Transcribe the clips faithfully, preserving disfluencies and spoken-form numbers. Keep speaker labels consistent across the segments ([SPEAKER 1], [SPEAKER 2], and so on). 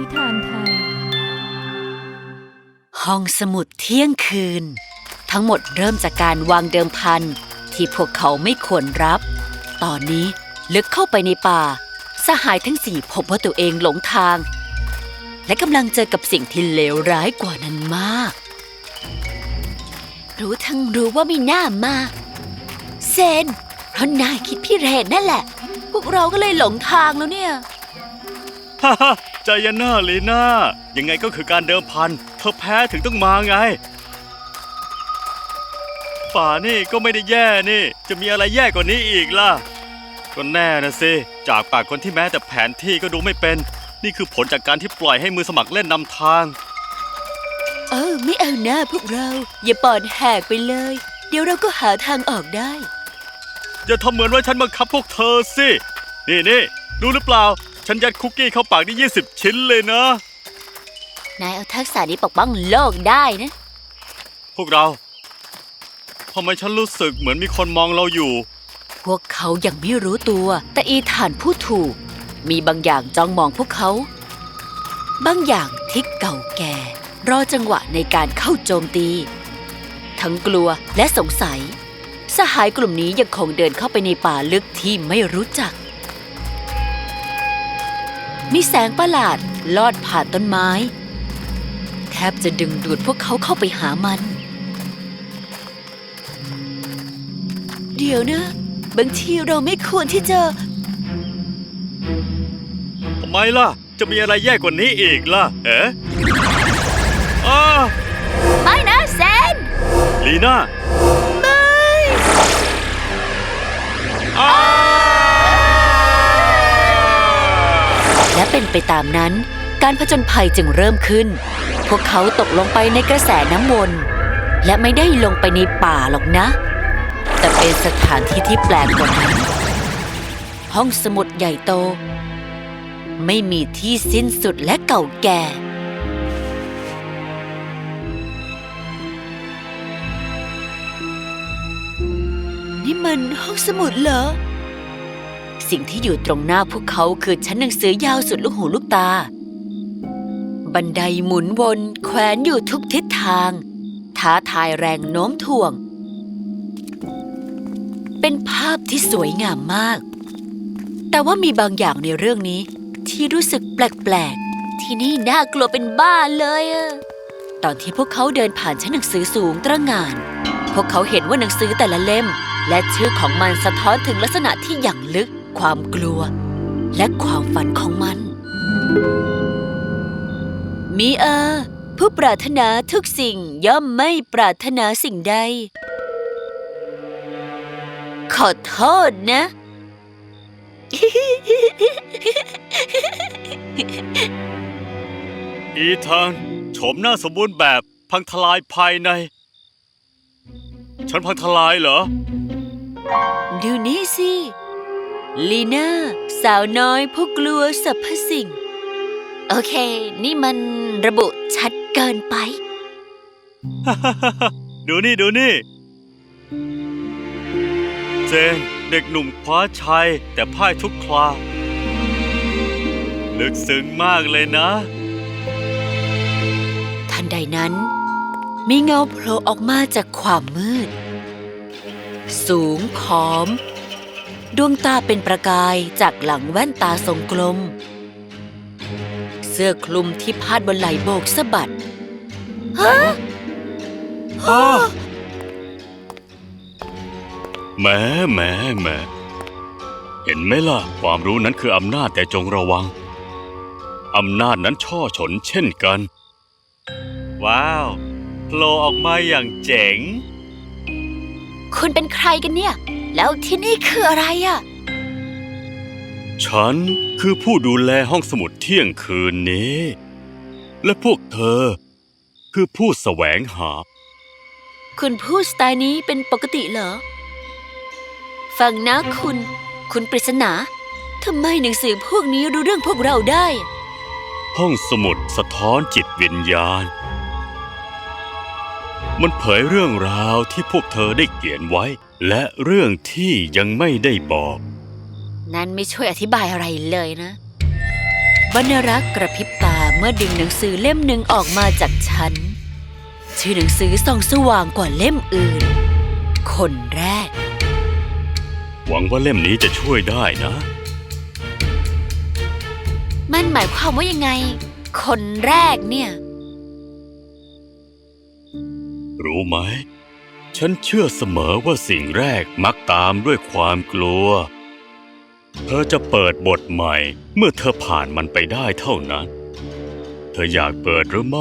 [SPEAKER 1] นิทานไทย
[SPEAKER 2] ห้องสมุดเที่ยงคืนทั้งหมดเริ่มจากการวางเดิมพันที่พวกเขาไม่ควรรับตอนนี้ลึกเข้าไปในป่าสหายทั้งสี่พบว่าตัวเองหลงทางและกำลังเจอกับสิ่งที่เลวร้ายกว่านั้นมากรู้ทั้งรู้ว่าไม่น่ามาเซนเพราะนายคิดพี่เรนนั่นแหละพวกเราก็เลยหลงทางแล้วเนี่ย
[SPEAKER 3] ฮ่าฮ่าใจเย็นหน้าลีน่ายังไงก็คือการเดิมพันเธอแพ้ถึงต้องมาไงป่านี่ก็ไม่ได้แย่นี่จะมีอะไรแย่กว่านี้อีกล่ะก็แน่นะสิจากปากคนที่แม้แต่แผนที่ก็ดูไม่เป็นนี่คือผลจากการที่ปล่อยให้มือสมัครเล่นนำทาง
[SPEAKER 2] เออไม่เอาหน้าพวกเราอย่าปอดแหกไปเลยเดี๋ยวเราก็หาทางออกได้
[SPEAKER 3] อย่าทำเหมือนว่าฉันบังคับพวกเธอสินี่นี่รู้หรือเปล่าฉันยัดคุกกี้เข้าปากได้ยี่สิบชิ้นเลยนะ
[SPEAKER 2] นายเอาทักษะนี้ปกป้องโลกได้นะ
[SPEAKER 3] พวกเราทำไมฉันรู้สึกเหมือนมีคนมองเราอยู่
[SPEAKER 2] พวกเขายังไม่รู้ตัวแต่อีธานพูดถูกมีบางอย่างจ้องมองพวกเขาบางอย่างที่เก่าแก่รอจังหวะในการเข้าโจมตีทั้งกลัวและสงสัยสหายกลุ่มนี้ยังคงเดินเข้าไปในป่าลึกที่ไม่รู้จักมีแสงประหลาดลอดผ่านต้นไม้แทบจะดึงดูดพวกเขาเข้าไปหามันเดี๋ยวนะบางทีเราไม่ควรที่จะ
[SPEAKER 3] ทำไมล่ะจะมีอะไรแย่กว่านี้อีกล่ะเอ๊ะอ้า
[SPEAKER 2] ไม่นะเซน
[SPEAKER 3] ลีน่า
[SPEAKER 2] ไม่และเป็นไปตามนั้นการผจญภัยจึงเริ่มขึ้นพวกเขาตกลงไปในกระแสน้ำวนและไม่ได้ลงไปในป่าหรอกนะแต่เป็นสถานที่ที่แปลกกว่านั้นห้องสมุดใหญ่โตไม่มีที่สิ้นสุดและเก่าแก่นี่มันห้องสมุดเหรอสิ่งที่อยู่ตรงหน้าพวกเขาคือชั้นหนังสือยาวสุดลูกหูลูกตาบันไดหมุนวนแขวนอยู่ทุกทิศทางท้าทายแรงโน้มถ่วงเป็นภาพที่สวยงามมากแต่ว่ามีบางอย่างในเรื่องนี้ที่รู้สึกแปลกๆที่นี่น่ากลัวเป็นบ้าเลยอะตอนที่พวกเขาเดินผ่านชั้นหนังสือสูงตระหง่านพวกเขาเห็นว่าหนังสือแต่ละเล่มและชื่อของมันสะท้อนถึงลักษณะที่อย่างลึกความกลัวและความฝันของมันมีเออผู้ปรารถนาทุกสิ่งย่อมไม่ปรารถนาสิ่งใดขอโทษนะ
[SPEAKER 3] อีธานโฉมหน้าสมบูรณ์แบบพังทลายภายในฉันพังทลายเหรอ
[SPEAKER 2] ดูนี่สิลีน่าสาวน้อยผู้กลัวสรรพสิ่งโอเคนี่มันระบุชัดเกินไป
[SPEAKER 3] ดูนี่ดูนี่เจนเด็กหนุ่มคว้าชัยแต่พ่ายทุกคราลึกซึ้งมากเลยนะ
[SPEAKER 2] ทันใดนั้นมีเงาโผล่ออกมาจากความมืดสูงผอมดวงตาเป็นประกายจากหลังแว่นตาทรงกลมเสื้อคลุมที่พาดบนไหล่โบกสะบัดฮะ
[SPEAKER 3] ฮะแหมแหมแหมเห็นไหมล่ะความรู้นั้นคืออำนาจแต่จงระวังอำนาจนั้นช่อฉนเช่นกันว้าวโผล่ออกมาอย่างเจ๋ง
[SPEAKER 2] คุณเป็นใครกันเนี่ยแล้วที่นี่คืออะไรอ่ะ
[SPEAKER 3] ฉันคือผู้ดูแลห้องสมุดเที่ยงคืนนี้และพวกเธอคือผู้แสวงหา
[SPEAKER 2] คุณพูดสไตล์นี้เป็นปกติเหรอฟังนะคุณคุณปริศนาทำไมหนังสือพวกนี้รู้เรื่องพวกเราได้
[SPEAKER 3] ห้องสมุดสะท้อนจิตวิญญาณมันเผยเรื่องราวที่พวกเธอได้เขียนไว้และเรื่องที่ยังไม่ได้บอก
[SPEAKER 2] นั่นไม่ช่วยอธิบายอะไรเลยนะบรรณรักษ์กระพริบตาเมื่อดึงหนังสือเล่มหนึ่งออกมาจากฉันชื่อหนังสือส่องสว่างกว่าเล่มอื่นคนแรก
[SPEAKER 3] หวังว่าเล่มนี้จะช่วยได้นะ
[SPEAKER 2] มันหมายความว่ายังไง คนแรกเนี่ย
[SPEAKER 3] รู้ไหม ฉันเชื่อเสมอว่าสิ่งแรกมักตามด้วยความกลัว เธอจะเปิดบทใหม่เมื่อเธอผ่านมันไปได้เท่านั้น เธออยากเปิดหรือไม่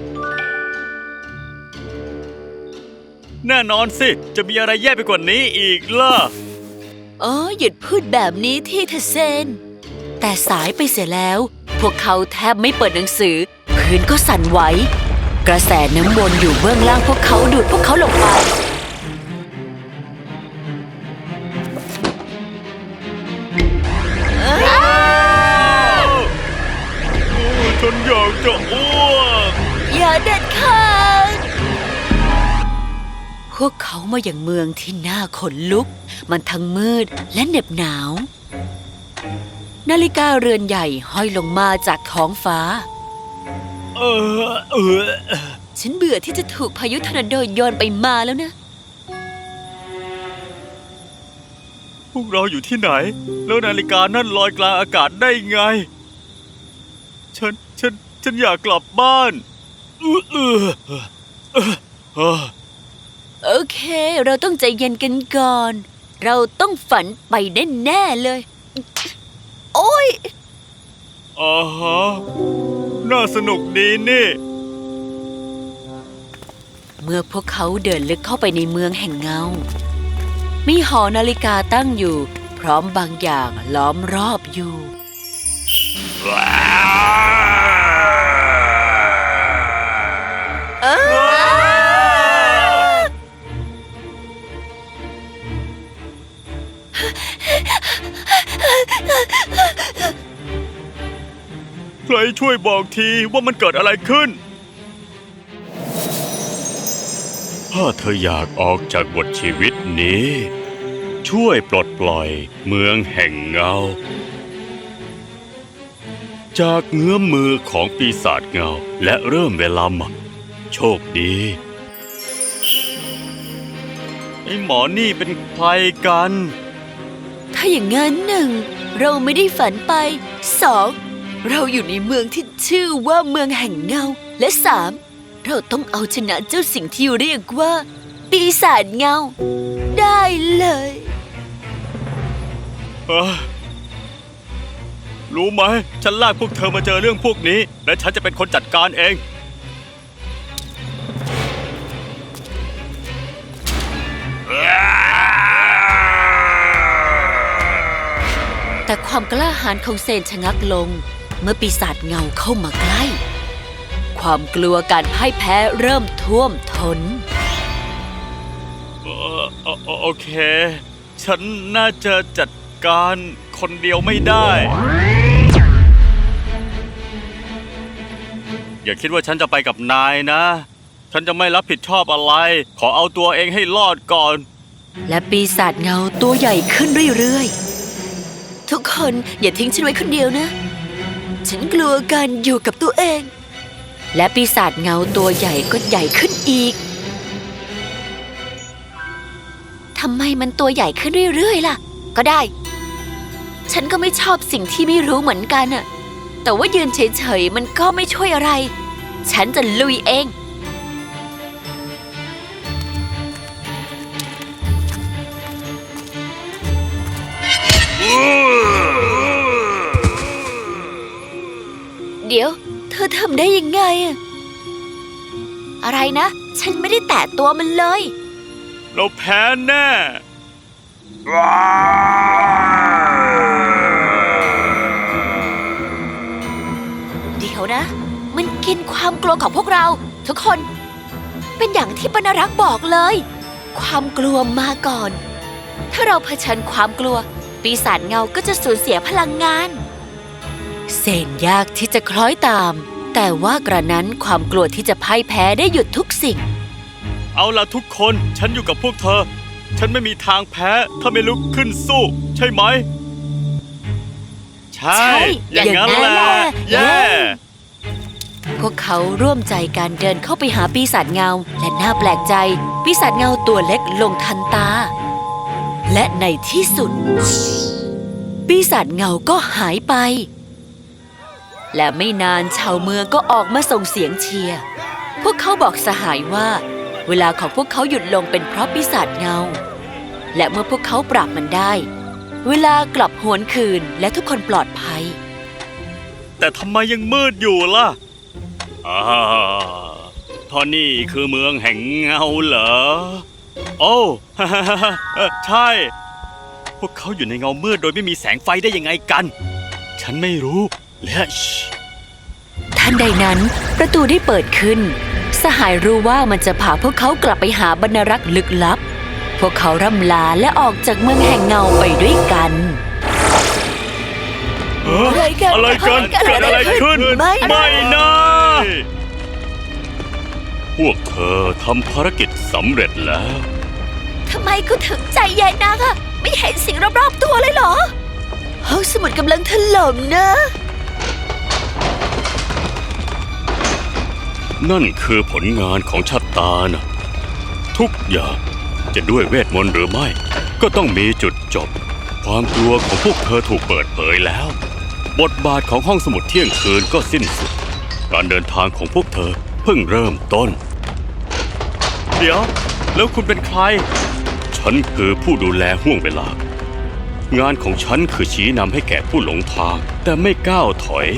[SPEAKER 3] แน่นอนสิ จะมีอะไรแย่ไปกว่านี้อีกล่ะ
[SPEAKER 2] อ๋อหยุดพูดแบบนี้ที่เธอเซน แต่สายไปเสียแล้ว พวกเขาแทบไม่เปิดหนังสือ พื้นก็สั่นไหว กระแสน้ำวนอยู่เบื้องล่างพวกเขาดูดพวกเขาลงไป
[SPEAKER 3] ฉันอยากจะอ้วก
[SPEAKER 2] อย่าเด็ดขาดพวกเขามาอย่างเมืองที่น่าขนลุก มันทั้งมืดและเหน็บหนาว นาฬิกาเรือนใหญ่ห้อยลงมาจากท้องฟ้า
[SPEAKER 3] เออเออ
[SPEAKER 2] ฉันเบื่อที่จะถูกพายุทอร์นาโดโยนไปมาแล้วนะ
[SPEAKER 3] พวกเราอยู่ที่ไหน แล้วนาฬิกานั่นลอยกลางอากาศได้ไง ฉัน ฉัน ฉันอยากกลับบ้านเออเออเออเออ
[SPEAKER 2] โอเค เราต้องใจเย็นกันก่อน เราต้องฝันไปแน่ๆเลย โอ้ย
[SPEAKER 3] อ่าฮะ น่าสนุกดีนี่
[SPEAKER 2] เมื่อพวกเขาเดินลึกเข้าไปในเมืองแห่งเงา มีหอนาฬิกาตั้งอยู่ พร้อมบางอย่างล้อมรอบอยู่ เออ
[SPEAKER 3] ใครช่วยบอกทีว่ามันเกิดอะไรขึ้น ถ้าเธออยากออกจากบทชีวิตนี้ ช่วยปลดปล่อยเมืองแห่งเงา จากเงื้อมมือของปีศาจเงาและเริ่มเวลาใหม่โชคดีไอ้หมอนี่เป็นใครกัน
[SPEAKER 2] ถ้าอย่างงั้นหนึ่ง เราไม่ได้ฝันไป สอง เราอยู่ในเมืองที่ชื่อว่าเมืองแห่งเงา และสาม เราต้องเอาชนะเจ้าสิ่งที่เรียกว่า ปีศาจเงา ได้เลย
[SPEAKER 3] เอ้อรู้ไหม ฉันลากพวกเธอมาเจอเรื่องพวกนี้ และฉันจะเป็นคนจัดการเอง
[SPEAKER 2] แต่ความกล้าหาญของเซนชะงักลง เมื่อปีศาจเงาเข้ามาใกล้ ความกลัวการพ่ายแพ้เริ่มท่วมท้น
[SPEAKER 3] เอ่อเอ่อโอเค ฉันน่าจะจัดการคนเดียวไม่ได้ อย่าคิดว่าฉันจะไปกับนายนะ ฉันจะไม่รับผิดชอบอะไร ขอเอาตัวเองให้รอดก่อน
[SPEAKER 2] และปีศาจเงาตัวใหญ่ขึ้นเรื่อยๆ ทุกคนอย่าทิ้งฉันไว้คนเดียวนะ ฉันกลัวการอยู่กับตัวเอง และปีศาจเงาตัวใหญ่ก็ใหญ่ขึ้นอีก ทำไมมันตัวใหญ่ขึ้นเรื่อยๆล่ะ ก็ได้ ฉันก็ไม่ชอบสิ่งที่ไม่รู้เหมือนกันอะแต่ว่ายืนเฉยๆมันก็ไม่ช่วยอะไร ฉันจะลุยเอง เดี๋ยว เธอทำได้ยังไงอะอะไรนะ ฉันไม่ได้แตะตัวมันเลย
[SPEAKER 3] เราแพ้แน่
[SPEAKER 2] เดี๋ยวนะ มันกินความกลัวของพวกเรา ทุกคน เป็นอย่างที่ปนรักษ์บอกเลย ความกลัวมาก่อน ถ้าเราเผชิญความกลัว ปีศาจเงาก็จะสูญเสียพลังงานเซนยากที่จะคล้อยตาม แต่ว่ากระนั้นความกลัวที่จะพ่ายแพ้ได้หยุดทุกสิ่ง
[SPEAKER 3] เอาล่ะทุกคนฉันอยู่กับพวกเธอ ฉันไม่มีทางแพ้ถ้าไม่ลุกขึ้นสู้ ใช่ไหม ใช่
[SPEAKER 2] ใช่
[SPEAKER 3] อย่างนั้น
[SPEAKER 2] อย่างนั้น
[SPEAKER 3] แห
[SPEAKER 2] แห
[SPEAKER 3] ละ
[SPEAKER 2] ละ
[SPEAKER 3] เย้
[SPEAKER 2] พวกเขาร่วมใจกันเดินเข้าไปหาปีศาจเงาและน่าแปลกใจ ปีศาจเงาตัวเล็กลงทันตา และในที่สุด ปีศาจเงาก็หายไป และไม่นานชาวเมืองก็ออกมาส่งเสียงเชียร์พวกเขาบอกสหายว่า เวลาของพวกเขาหยุดลงเป็นเพราะปีศาจเงา และเมื่อพวกเขาปราบมันได้ เวลากลับหวนคืนและทุกคนปลอดภัย
[SPEAKER 3] แต่ทำไมยังมืดอยู่ล่ะอ่าท่อนี่คือเมืองแห่งเงาเหรอ โอ้ ใช่ พวกเขาอยู่ในเงามืดโดยไม่มีแสงไฟได้ยังไงกัน ฉันไม่รู้ และชิ
[SPEAKER 2] ทันใดนั้นประตูได้เปิดขึ้น สหายรู้ว่ามันจะพาพวกเขากลับไปหาบรรณารักษ์ลึกลับ พวกเขาร่ำลาและออกจากเมืองแห่งเงาไปด้วยกัน
[SPEAKER 3] เอ้อ
[SPEAKER 2] อะไรกัน
[SPEAKER 3] อะไรกัน
[SPEAKER 2] เกิ
[SPEAKER 3] เกิ
[SPEAKER 2] ด
[SPEAKER 3] ด
[SPEAKER 2] อะ
[SPEAKER 3] อะไร ไร
[SPEAKER 2] ขึ้
[SPEAKER 3] ขึ้
[SPEAKER 2] น
[SPEAKER 3] น
[SPEAKER 2] ไม่นะ
[SPEAKER 3] ไม่นะ พวกเธอทำภารกิจสำเร็จแล้ว
[SPEAKER 2] ทำไมคุณถึงใจใหญ่นักอะไม่เห็นสิ่งรอบๆตัวเลยเหรอห้องสมุดกำลังถล่มนะ
[SPEAKER 3] นั่นคือผลงานของชะตานะทุกอย่างจะด้วยเวทมนต์หรือไม่ ก็ต้องมีจุดจบ ความกลัวของพวกเธอถูกเปิดเผยแล้ว บทบาทของห้องสมุดเที่ยงคืนก็สิ้นสุด การเดินทางของพวกเธอเพิ่งเริ่มต้น เดี๋ยว แล้วคุณเป็นใคร ฉันคือผู้ดูแลห่วงเวลา งานของฉันคือชี้นำให้แก่ผู้หลงทาง แต่ไม่ก้าวถอย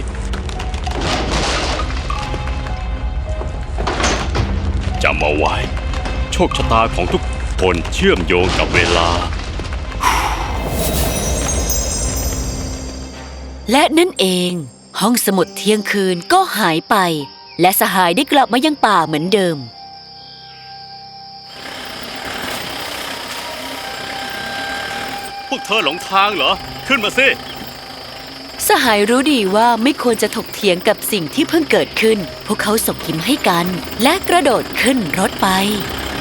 [SPEAKER 3] จำเอาไว้ โชคชะตาของทุกคนเชื่อมโยงกับเวลา
[SPEAKER 2] และนั่นเอง ห้องสมุดเที่ยงคืนก็หายไป และสหายได้กลับมายังป่าเหมือนเดิม
[SPEAKER 3] พวกเธอหลงทางเหรอ ขึ้นมาสิ
[SPEAKER 2] สหายรู้ดีว่าไม่ควรจะถกเถียงกับสิ่งที่เพิ่งเกิดขึ้น พวกเขาส่งยิ้มให้กัน และกระโดดขึ้นรถไป